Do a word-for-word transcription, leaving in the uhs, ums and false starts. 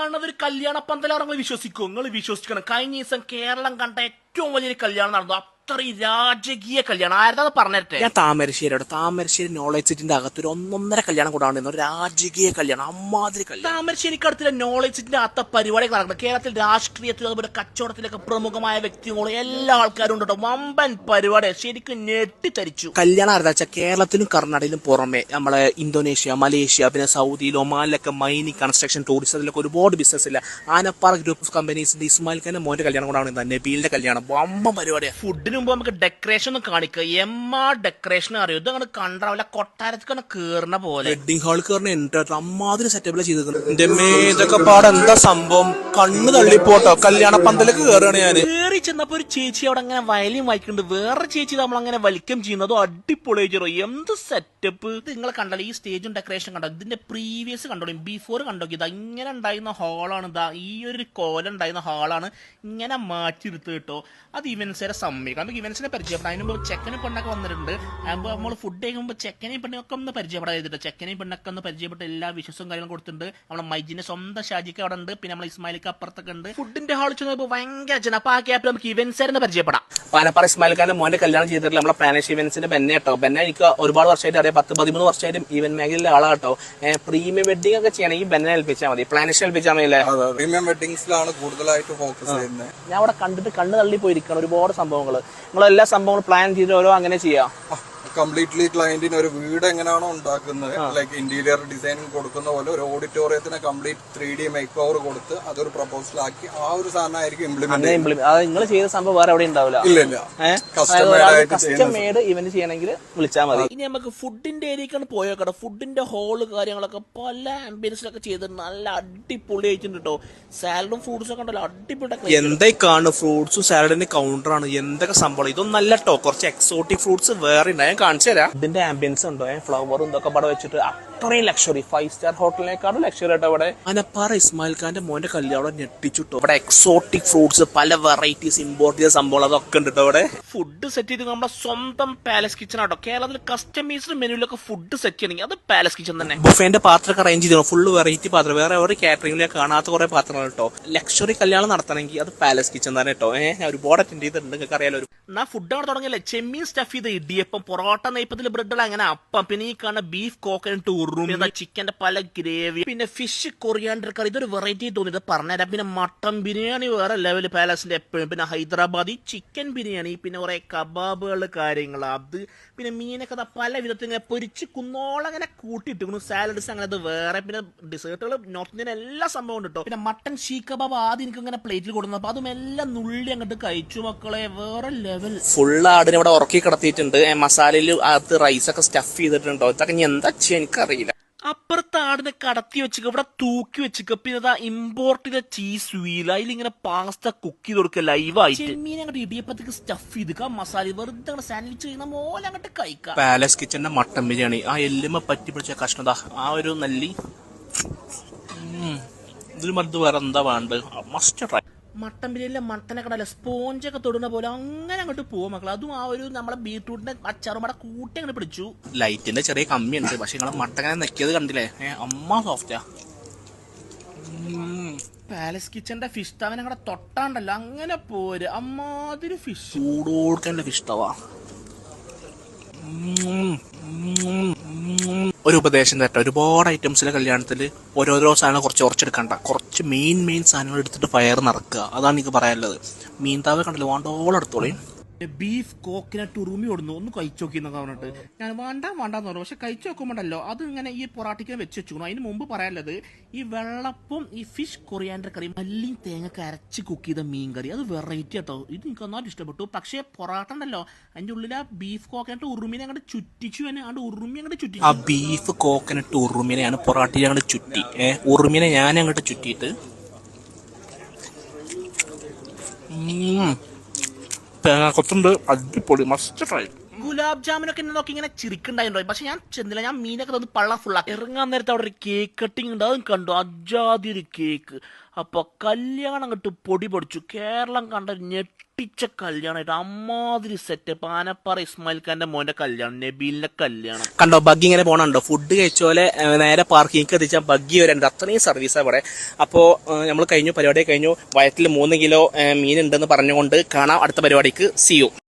കാണുന്നത് ഒരു കല്യാണ പന്തലാണെന്ന് വിശ്വസിക്കും. നിങ്ങൾ വിശ്വസിക്കണം. കഴിഞ്ഞ ദിവസം കേരളം കണ്ട ഏറ്റവും വലിയൊരു കല്യാണം നടന്നു. അത്രയും രാജകീയ കല്യാണം. ആരതാ പറഞ്ഞിട്ട് ഞാൻ താമരശ്ശേരിയോട് താമരശ്ശേരി നോളജ് സിറ്റിന്റെ അകത്തൊരു ഒന്നൊന്നര കല്യാണം കൂടാണ്ട് രാജകീയ കല്യാണം, അമ്മാതിരി കല്യാണം. താമരശ്ശേരിക്ക് അടുത്തുള്ള നോളജ് സിറ്റിന്റെ അകത്ത പരിപാടികൾ നടക്കുന്നത്. കേരളത്തിൽ രാഷ്ട്രീയത്തിൽ അതുപോലെ കച്ചവടത്തിലൊക്കെ പ്രമുഖമായ വ്യക്തികളും എല്ലാ ആൾക്കാരും ഉണ്ടോ. വമ്പൻ പരിപാടി ശരിക്കും ഞെട്ടിത്തരിച്ചു. കല്യാണം ആരതാ വെച്ചാൽ കേരളത്തിലും കർണാടകയിലും പുറമെ നമ്മളെ ഇന്തോനേഷ്യ, മലേഷ്യ, പിന്നെ സൗദിയിൽ, ഒമാനിലൊക്കെ മൈനിങ്, കൺസ്ട്രക്ഷൻ, ടൂറിസത്തിലൊക്കെ ഒരുപാട് ബിസിനസ് ഇല്ല. ആനപ്പാറ ഗ്രൂപ്പ് ഓഫ് കമ്പനീസിന്റെ ഇസ്മായിൽ ഖാന്റെ മോന്റെ കല്യാണം കൂടാണ് നബീലിന്റെ കല്യാണം. വമ്പൻ പരിപാടിയാണ്. ഫുഡിന് മുമ്പ് നമുക്ക് ഡെക്കറേഷൻ ഒന്ന് കാണിക്കുക. എമ്മാ ഡെക്കറേഷൻ അറിയോ? ഇത് അങ്ങനെ കണ്ടാവില്ല, കൊട്ടാരത്തിൽ കേറുന്ന പോലെ. വെഡിങ് ഹാൾ കയറുന്ന അമ്മാതിരി സെറ്റപ്പിലാണ് ചെയ്തിരിക്കുന്നത്. എന്റെ മേതൊക്കെ പാടെ എന്താ സംഭവം, കണ്ണ് തള്ളിപ്പോട്ടോ. കല്യാണ പന്തലേക്ക് കയറുകയാണ് ഞാൻ. കയറി ചെന്നപ്പോ ഒരു ചേച്ചി അവിടെ അങ്ങനെ വയലിൻ വായിക്കുന്നുണ്ട്. വേറെ ചേച്ചി നമ്മൾ അങ്ങനെ വലിക്കം ചെയ്യുന്നതോ അടിപൊളി ചെയ്തോ. എന്ത് സെറ്റപ്പ്! ഇത് നിങ്ങൾ കണ്ടല്ലോ, ഈ സ്റ്റേജും ഡെക്കറേഷൻ കണ്ടോ. ഇതിന്റെ പ്രീവിയസ് കണ്ടോളൂ, ബിഫോർ കണ്ടോ. ഇതാ ഇങ്ങനെ ഉണ്ടായിരുന്ന ഹാളാണ്. ഇതാ ഈ ഒരു കോലം ഉണ്ടായിരുന്ന ഹാളാണ് ഇങ്ങനെ മാറ്റിയെടുത്ത് കേട്ടോ. അത് ഇവൻസിനെ സമ്മതിക്കും. നമുക്ക് ഇവൻസിനെ പരിചയപ്പെടാം. അതിന് മുമ്പ് ചെക്കനും പെണ്ണൊക്കെ വന്നിട്ടുണ്ട്. അപ്പോൾ നമ്മൾ ഫുഡ് കഴിക്കുമ്പോൾ ചെക്കനെയും പെണ്ണൊക്കെ ഒന്ന് പരിചയപ്പെടാൻ ചെയ്തിട്ട് ചെക്കനെയും പെണ്ണൊക്കെ ഒന്ന് പരിചയപ്പെട്ട് എല്ലാ വിശ്വസവും കാര്യങ്ങളും കൊടുത്തിട്ടുണ്ട്. നമ്മുടെ മൈജിന്റെ സ്വന്തം ഷാജിക്ക് അവിടെ ഉണ്ട്. പിന്നെ നമ്മൾ ഇസ്മായിലിക്ക് അപ്പുറത്തൊക്കെ ഉണ്ട്. ഫുഡിന്റെ ഹാളിൽ ചെന്നപ്പോൾ ഭയങ്കര ജനം. അപ്പൊ ആ ക്യാപ്പിൽ നമുക്ക് ഇവൻസിനെ പരിചയപ്പെടാം. പാനപ്പാറ ഇസ്മായിൽ ഖാന്റെ മോന്റെ കല്യാണം ചെയ്തിട്ടില്ല നമ്മളെ പ്ലാനേഷ് ഇവന്റ്സിന്റെ ബെന്നെ കേട്ടോ. ബെന്നെ എനിക്ക് ഒരുപാട് വർഷമായിട്ട് അറിയാം. പത്ത് പതിമൂന്ന് വർഷമായിട്ട് ഈവന്റ് മേഖലയിലെ ആളാട്ടോ. പ്രീമിയം വെഡിങ് ഒക്കെ ചെയ്യണമെങ്കിൽ ബെന്നെ ഏൽപ്പിച്ചാൽ മതി, പ്ലാനേഷ് ഏൽപ്പിച്ചാൽ മതി. പ്രീമിയം വെഡിങ്സിലാണ് കൂടുതലായിട്ട് ഫോക്കസ് ചെയ്യുന്നത്. ഞാൻ അവിടെ കണ്ടിട്ട് കണ്ണ് തള്ളി പോയിരിക്കണം. ഒരുപാട് സംഭവങ്ങൾ നിങ്ങൾ എല്ലാ സംഭവങ്ങളും പ്ലാൻ ചെയ്ത് ഓരോ അങ്ങനെ ചെയ്യാം. കംപ്ലീറ്റ്ലി ക്ലയന്റിന് ഒരു വീട് എങ്ങനെയാണോ ഉണ്ടാക്കുന്നത്, ലൈക്ക് ഇന്റീരിയർ ഡിസൈനിങ് കൊടുക്കുന്ന പോലെ ഒരു ഓഡിറ്റോറിയത്തിന് complete three D make over കൊടുത്ത് അതൊരു പ്രപ്പോസൽ ആക്കി ആ ഒരു സാധനം ആയിരിക്കും ഇംപ്ലിമെന്റ്. നിങ്ങൾ ചെയ്ത സംഭവം വേറെ എവിടെ ഉണ്ടാവില്ല. ഇല്ല ഇല്ല, കസ്റ്റം മെയ്ഡ് ഇവന്റ് ചെയ്യണമെങ്കിൽ വിളിച്ചാൽ മതി. ഇനി നമുക്ക് ഫുഡിന്റെ ഏരിയക്കാണ് പോയേക്കട്ടെ. ഫുഡിന്റെ ഹോള് കാര്യങ്ങളൊക്കെ പല ആംബിയൻസിലൊക്കെ ചെയ്ത് നല്ല അടിപൊളി ആയിട്ടുണ്ട് കേട്ടോ. സാലഡും ഫ്രൂട്ട്സും ഒക്കെ ഉണ്ടല്ലോ, അടിപൊളി. എന്തായി കാണും, ഫ്രൂട്ട്സും സാലഡിന്റെ കൗണ്ടറാണ്. എന്തൊക്കെ സംഭവം. ഇതൊന്നും അല്ല കേട്ടോ, കുറച്ച് എക്സോട്ടിക് ഫ്രൂട്ട്സ് വേറെ ഉണ്ടായാൽ കാണിച്ചു തരാം. ഇതിന്റെ ആംബിയൻസ് ഉണ്ടോ, ഫ്ലവറും ഇതൊക്കെ പടം വെച്ചിട്ട് അത്രയും ലക്ഷറി, ഫൈവ് സ്റ്റാർ ഹോട്ടലിനേക്കാളും ലക്ഷറി ആട്ടോ ഇവിടെ. ആനപ്പാറ ഇസ്മായിൽ ഖാന്റെ മോന്റെ കല്യാണം ഞെട്ടിച്ചിട്ടോ. ഇവിടെ എക്സോട്ടിക് ഫ്രൂട്ട്സ്, പല വെറൈറ്റീസ് ഇമ്പോർട്ട് ചെയ്ത സംഭവം അതൊക്കെ ഉണ്ട് ഇവിടെ. ഫുഡ് സെറ്റ് ചെയ്ത് നമ്മുടെ സ്വന്തം പാലസ് കിച്ചൺ ആട്ടോ. കേരളത്തിൽ കസ്റ്റമൈസ്ഡ് മെനുവിലൊക്കെ ഫുഡ് സെറ്റ് ചെയ്യണമെങ്കിൽ അത് പാലസ് കിച്ചൺ തന്നെ. ബുഫേന്റെ പാത്രമൊക്കെ അറേഞ്ച് ചെയ്തോ, ഫുള്ള് വെറൈറ്റി പാത്രം. വേറെ ഒരു കാറ്ററിംഗിൽ കാണാത്ത കുറെ പാത്രങ്ങൾ കേട്ടോ. ലക്ഷറി കല്യാണം നടത്തണമെങ്കിൽ അത് പാലസ് കിച്ചൺ തന്നെ കേട്ടോ. ഏഹ് ഞാൻ ഒരുപാട് അറ്റൻഡ് ചെയ്തിട്ടുണ്ട്, നിങ്ങൾക്ക് അറിയാലോ. എന്നാ ഫുഡ് അവിടെ തുടങ്ങിയല്ലേ. ചെമ്മീൻ സ്റ്റഫ് ചെയ്ത ഇടിയപ്പം, പൊറോട്ട നെയ്പ്പത്തിൽ ബ്രെഡുകൾ, അങ്ങനെ അപ്പം. പിന്നെ ഈ കാണുന്ന ബീഫ് കോക്കനട്ട് ഉറും, ചിക്കന്റെ പല ഗ്രേവി, പിന്നെ ഫിഷ് കൊറിയാണ്ടർ കറി. ഇതൊരു വെറൈറ്റി തോന്നിയത് പറഞ്ഞുതരാം. പിന്നെ മട്ടൻ ബിരിയാണി വേറെ ലെവൽ പാലസിന്റെ എപ്പോഴും. പിന്നെ ഹൈദരാബാദി ചിക്കൻ ബിരിയാണി, പിന്നെ കുറെ കബാബുകൾ കാര്യങ്ങൾ അത്. പിന്നെ മീനൊക്കെ പല വിധത്തിൽ ഇങ്ങനെ പൊരിച്ച് കുന്നോളം അങ്ങനെ കൂട്ടിയിട്ട് സാലഡ്സ് അങ്ങനെ അത് വേറെ. പിന്നെ ഡിസേർട്ടുകൾ നോർത്ത് ഇന്ത്യൻ എല്ലാ സംഭവം ഉണ്ട് കേട്ടോ. പിന്നെ മട്ടൻ ഷീ കബാബ് ആദ്യം എനിക്ക് ഇങ്ങനെ പ്ലേറ്റിൽ കൊടുക്കുന്നു. അപ്പൊ അതും എല്ലാം നുള്ളി അങ്ങോട്ട് കഴിച്ചു മക്കളെ, വേറെ ലെവൽ. ഫുള്ള് ആടിനെ ഇവിടെ ഉറക്കി കിടത്തിയിട്ടുണ്ട്. മസാലയിൽ അകത്ത് റൈസ് ഒക്കെ സ്റ്റഫ് ചെയ്തിട്ടുണ്ടോ. ഇതൊക്കെ ഞാൻ എന്താ ചെയ്യാൻ എനിക്കറിയില്ല. അപ്പുറത്ത് ആടിനെ കടത്തി വെച്ചിട്ട് ഇവിടെ തൂക്കി വെച്ചിട്ട് പിന്നെ ഇമ്പോർട്ട് ചെയ്ത ചീസ് വീൽ അതിലിങ്ങനെ പാസ്ത കുക്ക് ചെയ്ത് കൊടുക്കുക ലൈവായിട്ട്. ചെമ്മീൻ അങ്ങോട്ട് ഇടിയപ്പത്തേക്ക് സ്റ്റഫ് ചെയ്ത് മസാല വെറുതെ അങ്ങോട്ട് സാൻഡ്വിച്ച് ചെയ്യുന്ന പോലെ അങ്ങോട്ട് കഴിക്കാം. പാലസ് കിച്ചന്റെ മട്ടൻ ബിരിയാണി, ആ എല്ലുമ പറ്റി പിടിച്ച കഷ്ണത, ആ ഒരു നല്ലി ഇതിൽ മരുന്ന് വേറെ എന്താ വേണ്ടത്. Must try. മട്ടൻ ബിരിയാണിയിലെ മട്ടനൊക്കെ ഉണ്ടല്ലോ സ്പോഞ്ചൊക്കെ തൊടുന്ന പോലെ അങ്ങനെ അങ്ങോട്ട് പോകും മക്കൾ. അതും ആ ഒരു നമ്മളെ ബീട്രൂട്ടിന്റെ അച്ചാറും അവിടെ കൂട്ടി അങ്ങനെ പിടിച്ചു. ലൈറ്റിന്റെ ചെറിയ കമ്മിയുണ്ട്, പക്ഷെ നിങ്ങളെ മട്ടങ്ങനെ നെക്കിയത് കണ്ടില്ലേ, അമ്മ സോഫ്റ്റാ. പാലസ് കിച്ചന്റെ ഫിഷ് തവൻ അങ്ങടെ തൊട്ടാണ്ടല്ലോ അങ്ങനെ പോര്. അമ്മാതിരി ഫിഷ് ചൂടോടുക്കൻ്റെ ഫിഷ് തവ. ഒരു ഉപദേശം തരട്ടെ, ഒരുപാട് ഐറ്റംസിലെ കല്യാണത്തിൽ ഓരോരോ സാധനം കുറച്ച് കുറച്ചെടുക്കണ്ട, കുറച്ച് മെയിൻ മെയിൻ സാധനങ്ങൾ എടുത്തിട്ട് ഫയർ നിറക്കുക. അതാണ് എനിക്ക് പറയാനുള്ളത്. മീൻ താവ കണ്ടല്ലോ, വേണ്ടോളം എടുത്തോളേ. ബീഫ് കോക്കനട്ട് ഉറുമി കൊടുന്നു, ഒന്ന് കഴിച്ചു നോക്കി എന്നൊക്കെ പറഞ്ഞിട്ട് ഞാൻ വേണ്ട വേണ്ടാന്ന് പറഞ്ഞു. പക്ഷെ കഴിച്ചു നോക്കുമ്പോണ്ടല്ലോ അത് ഇങ്ങനെ ഈ പൊറാട്ടിക്കാൻ വെച്ച് വെച്ചു. അതിന് മുമ്പ് പറയാനുള്ളത് ഈ വെള്ളപ്പം, ഈ ഫിഷ് കൊറിയാണ്ടർ കറി, മല്ലിയും തേങ്ങ അരച്ച് കുക്ക് ചെയ്ത മീൻ കറി, അത് വെറൈറ്റി ആട്ടോ. ഇത് എനിക്ക് ഒന്നാമത് ഇഷ്ടപ്പെട്ടു. പക്ഷേ പൊറാട്ട ഉണ്ടല്ലോ അതിന്റെ ഉള്ളിൽ ആ ബീഫ് കോക്കനട്ട് ഉറുമിനെ അങ്ങോട്ട് ചുറ്റിച്ചു തന്നെ, അങ്ങോട്ട് ഉറുമി അങ്ങോട്ട് ചുറ്റി. ആ ബീഫ് കോക്കനട്ട് ഉറുമിനെയാണ് പൊറാട്ടിയിൽ അങ്ങോട്ട് ചുറ്റി. ഏഹ് ഉറുമിനെ ഞാൻ അങ്ങോട്ട് ചുറ്റിയിട്ട് തേങ്ങ കൊത്തുണ്ട്, അടിപൊളി, മസ്റ്റ് ട്രൈ. ഗുലാബ് ജാമുനൊക്കെ എന്നെ നോക്കി ഇങ്ങനെ ചിരിക്കുണ്ടായിരുന്നു. പക്ഷെ ഞാൻ ചെന്നില്ല, ഞാൻ മീനൊക്കെ തന്ന് പള്ള ഫുള്ളാക്കി. ഇറങ്ങാൻ നേരത്തെ അവിടെ ഒരു കേക്ക് കട്ടിങ് ഉണ്ട്, അതും കണ്ടു, അജാതി ഒരു കേക്ക്. അപ്പൊ കല്യാണം കണ്ട് പൊടി പൊടിച്ചു. കേരളം കണ്ട ഞെട്ടിച്ച കല്യാണമായിട്ട് അമ്മാതിരി സെറ്റപ്പ്. ആനപ്പാറ ഇസ്മായിൽ ഖാന്റെ മോന്റെ കല്യാണം, നബീലിന്റെ കല്യാണം. കണ്ടോ ബഗ്ഗി ഇങ്ങനെ പോണുണ്ടോ? ഫുഡ് കഴിച്ചോലെ നേരെ പാർക്കിംഗ് എത്തിച്ചാൽ ബഗ്ഗി വരേണ്ട അത്രയും സർവീസാണ് ഇവിടെ. അപ്പോൾ നമ്മൾ കഴിഞ്ഞു, പരിപാടി കഴിഞ്ഞു. വയറ്റിൽ മൂന്ന് കിലോ മീൻ ഉണ്ടെന്ന് പറഞ്ഞുകൊണ്ട് കാണാം അടുത്ത പരിപാടിക്ക്. See U.